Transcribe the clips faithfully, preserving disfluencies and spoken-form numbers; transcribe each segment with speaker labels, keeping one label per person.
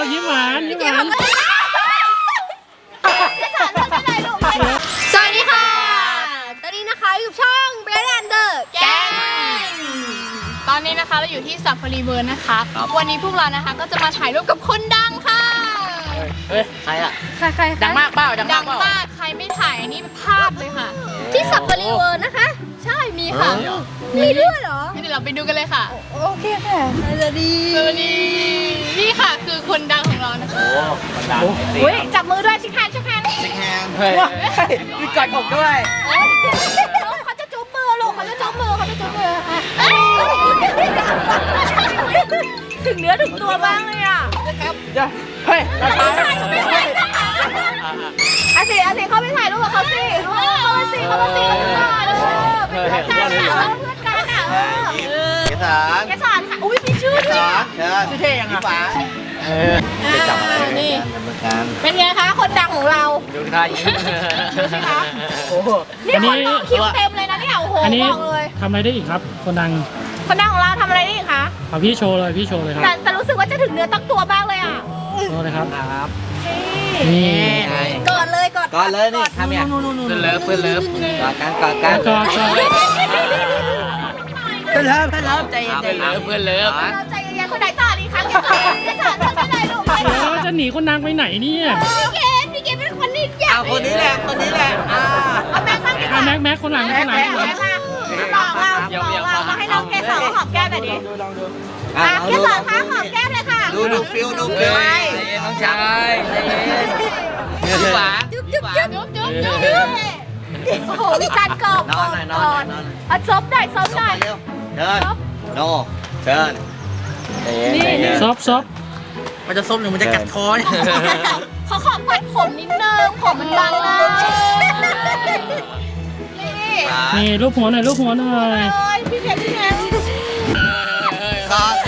Speaker 1: ยิ้มหวานยิ้มหวาน
Speaker 2: สวัสดีค่ะตอนนี้นะคะอยู่ช่องเบรนแอนเดอร์แกงตอนนี้นะคะเราอยู่ที่ซัฟฟารีเวิร์นะคะวันนี้พวกเรานะคะก็จะมาถ่ายรูปกับคนดังค่ะ
Speaker 3: เฮ้ยใครอะ
Speaker 2: ใครใคร
Speaker 3: ดังมากเปล่าดัง
Speaker 2: ดั
Speaker 3: มาก
Speaker 2: ง
Speaker 3: เปล่าม
Speaker 2: ากใครไม่ถ่ายอันนี้พลาดเลยค่ะที่ซัฟฟารีเวิร์นะคะใช่มีค่ะมีด้วยเหรอเดี๋ยวเราไปดูกันเลยค่ะโอเคค่ะสวัสดีสวัสดีนี่ค่ะคือคนดังของเรานะคะ
Speaker 3: โอ้คนดัง
Speaker 2: เฮ้ยจับมือด้วยชิคแฮนชิคแฮน
Speaker 3: ชิคแฮนเฮ้ยมีกอดอกด้วย
Speaker 2: เขาจะจุ๊บมือลูกเขาจะจุ๊บมือเขาจะจุ๊บมือถึงเนื้อถึงตัวบ้างเลยอ่ะ
Speaker 3: เฮ้ย
Speaker 2: อาสิอาสิเข้าไปถ่ายรูปกับเขาสิเข้าไปสิเข้าไปสิกันก่อนเพื่อนกันอ่ะเพื่อนกันอ่ะ
Speaker 3: เกสร
Speaker 2: เกสรค่ะอุ้ยมีชื่อด้วย
Speaker 3: เชิญชื่อเท่ยังไงป๋าเออจะจับนี่
Speaker 2: เป็นไงคะคนดังของเรา
Speaker 3: ดูท่ายิ้ม
Speaker 2: ดูสิคะโอ้โหนี่คนต่อคิวเต็มเลยนะเนี่ยโอ้โหบอกเลย
Speaker 1: ทำอะไรได้อีกครับคนดัง
Speaker 2: คนดังของเราทำอะไรได้อีกคะ
Speaker 1: เอาพี่โชว์เลยพี่โชว์เลยครับ
Speaker 2: แต่แต่รู้สึกว่าจะถึงเนื้อตั้งตัวบ้างเลยอ่ะ
Speaker 1: โชว์เลยครับ
Speaker 3: ครับ
Speaker 1: นี่
Speaker 2: กอดเลยกอด
Speaker 3: กอดเลยนี่ทำเนี่ยเพื่อนเลิฟเพื่อนเลิฟกอดกันกอดกัน
Speaker 1: กอดกอด
Speaker 3: เพื่อนเลิฟเพื่อนเลิฟใจเย็นใจเย็นเพื่อนเลิฟ
Speaker 2: เราใจเย็นคนไหนต่อดีคะแกสอนแกสอนทำได้ลูก
Speaker 1: แล้วจะหนีคนดังไปไหนเนี่ย
Speaker 2: พี่เกดพี่เกดเป็นคนนี้อยาก
Speaker 3: เอาคนนี้แหละคนนี้แหละอ่า
Speaker 2: เอาแม็กซ์บ้างดีกว่า
Speaker 1: แม็กแม็กคนหลังคนหลัง
Speaker 2: บอกเราบอกเรามาให้น้องเกสรหอมแก้มหน่อยดิอ่ะเกสรคะหอมแก้มเลยค่ะ
Speaker 3: ดูดูฟิลดูฟิลใจเย็นน้องชายใจเย็นจุ๊บหวาน
Speaker 2: จุ๊บจุ๊บจุ๊บจุ๊บจุ๊บโอ้โหมีการกอบ
Speaker 3: นอนหน่อยนอนหน่อย
Speaker 2: อ่ะซบได้ซบได้
Speaker 3: เร็วเดินโน่เชิญใจเย็นใจเย็น
Speaker 1: ซบซบ
Speaker 3: มันจะซบหรือมันจะกัดคอเนี่ย
Speaker 2: เขาขอปัดผมนิดนึงผมมันบางเลย
Speaker 1: นี่รูปหัวหน่อยรูปหัวหน่อย
Speaker 2: พี่เพชรพี่เพชร
Speaker 3: ก่อน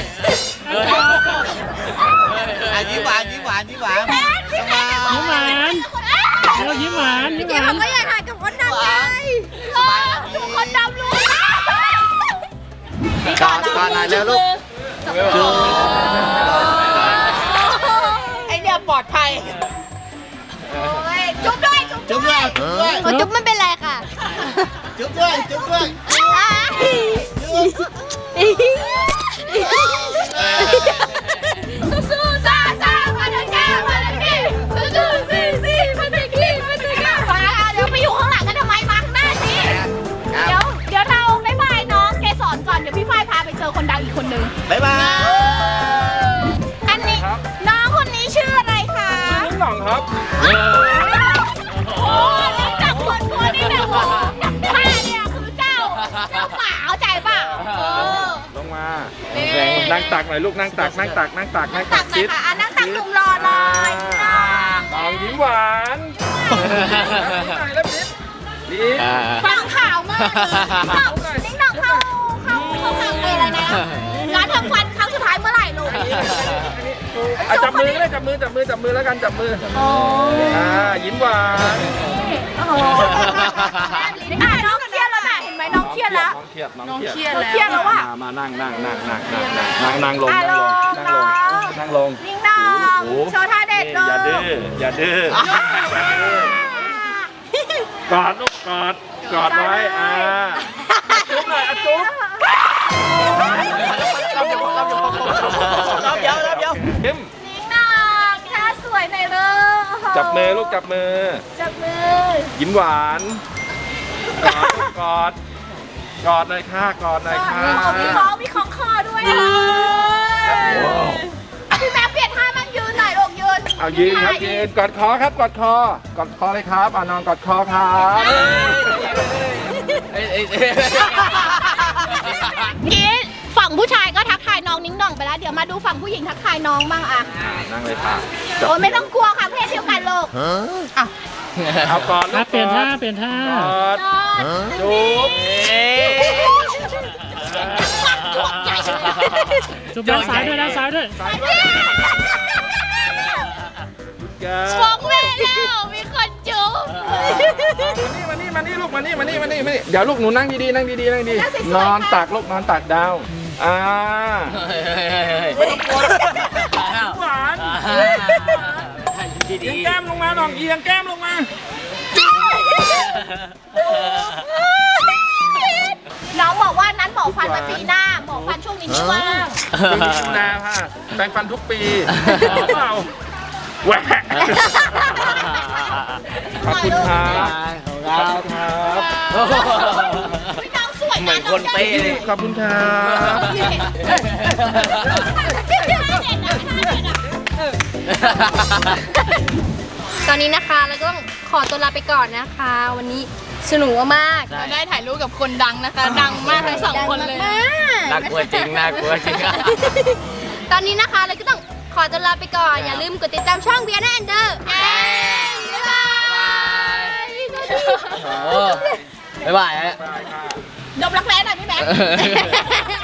Speaker 3: ยิ้มหวานยิ้มหวานยิ้มหวาน
Speaker 1: ยิ้มหวานเรายิ้มหวานยิ้มหวาน
Speaker 2: ผมก็อยากถ่ายกับคนดำไงดูคนดำรู้
Speaker 3: ก่อนก่อนหน่อยเร็วลูกจุ๊บ
Speaker 2: ไอเดียปลอดภัยจุ๊บด้วยจุ๊บด้วยจุ๊บไม่เป็นไรค่ะ
Speaker 3: จุ๊บด้วยจุ๊บด้วย
Speaker 2: สู้ๆซ่าซ่ามาเลยแกมาเลยพี่สู้ๆซี่ซี่มาเลยพี่มาเลยแกมาเดี๋ยวไปอยู่ข้างหลังกันทำไมมาข้างหน้าสิเดี๋ยวเดี๋ยวเราบ๊ายบายน้องเกสรก่อนเดี๋ยวพี่ฝ้ายพาไปเจอคนดังอีกคนนึง
Speaker 3: บ๊ายบาย
Speaker 2: อันนี้น้องคนนี้ชื่ออะไรคะ
Speaker 1: ชื่อนิ้งหน่องครับ
Speaker 2: โอ้นี่จับคนตัวนี่แบบโอ้ข้าเนี่ยคือเจ้าเจ้าป่าเอาใจเปล่า
Speaker 1: ลงมานั่งตักหน่อยลูกนั่งตักนั่งตักนั่งตักนั่งตัก
Speaker 2: ชิดนั่งตักจุ่มรอหน่อย
Speaker 1: น้องยิ้มหวาน
Speaker 2: ฟังข่าวมากนิ้งหน่องเข้าเข้าเข้าทางอะไรนะร้านทำฟันครั้งสุดท้ายเมื่อไหร่ลูก
Speaker 1: จับมือเลยจับมือจับมือจับมือแล้วกันจับมืออ่ายิ้มหวาน
Speaker 2: โอ้โหน้องเครียดแล้วนะเห็นไหมน้องเครียดแล้ว
Speaker 1: น้องเครียดน้องเครียด
Speaker 2: เครียดแล้วว่ะ
Speaker 1: มานั่งนั่งนั่งนั่งนั่งนั่งนั่งลงนั่งลงนั่งลง
Speaker 2: นิ่งน้องโชว์ท่าเด็ดเลย
Speaker 1: อย่าดื้ออย่าดื้อกอดลูกกอดกอดไว้อ่าจุ๊บหน่อยจุ๊บ
Speaker 3: รับเดี๋ยวรับเดี๋ยวรับเดี๋ยว
Speaker 1: ยิ้ม
Speaker 2: นิ่งน้องท่าสวยหน่อยเลย
Speaker 1: จับมือลูกจับมือ
Speaker 2: จับมือ
Speaker 1: ยิ้มหวานกอดกอดกอดหน่อยค่ะกอดหน่อยค่ะ
Speaker 2: มีของมีของคอด้วยอ่ะพี่แม่เปลี่ยนท่ามั่งยืนหน่อยลูกยืน
Speaker 1: เอายืนครับยืนกอดคอครับกอดคอกอดคอเลยครับอ่ะนอนกอดคอครับ
Speaker 2: กี้ฝั่งผู้ชายก็ทักทายน้องนิ้งหน่องไปแล้วเดี๋ยวมาดูฝั่งผู้หญิงทักทายน้องบ้างอ่ะ
Speaker 1: นั่งเลยค่ะ
Speaker 2: โอ้ไม่ต้องกลัวค่ะเพศเดียวกันลูกอ่ะ
Speaker 1: เอากอดเปลี่ยนท่าเปลี่ยนท่ากอดจุ๊บจุ๊บด้านซ้ายด้วยด้านซ้ายด้วย
Speaker 2: ฟองแม่แล้วมีคนจุ๊บ
Speaker 1: มานี่มานี่ลูกมานี่มานี่มานี่มานี่เดี๋ยวลูกหนูนั่งดีๆนั่งดีๆนั่งดีนอนตักลูกนอนตักดาวอ่าหวานลองเอียงแก้มลงมา
Speaker 2: น้องบอกว่านั้นหมอฟันมาปีหน้าหมอฟันช่วงนี้ไม่ว่าง
Speaker 1: คือมีดูแลค่ะแปรงฟันทุกปีหรือเปล่าแหวกขอบคุณครับ
Speaker 3: ขอบคุณครับ
Speaker 2: พี่น้องสวย
Speaker 3: เหมือนคนเป๊ะเลย
Speaker 1: ขอบคุณครับ
Speaker 4: ตอนนี้นะคะเราก็ต้องขอตัวลาไปก่อนนะคะ วันนี้สนุกมาก
Speaker 2: เราได้ถ่ายรูปกับคนดังนะคะ ดังมากทั้งสองคนเลย
Speaker 3: น่ากลัวจริงน่ากลัวจริง
Speaker 4: ตอนนี้นะคะเราก็ต้องขอตัวลาไปก่อน อย่าลืมกดติดตามช่องเบียร์แอนเดอร์บ๊ายบาย
Speaker 3: โอ้บ๊ายบายฮะ
Speaker 1: บายค่ะ
Speaker 2: ดมรักแร้หน่อยพี่แม็ก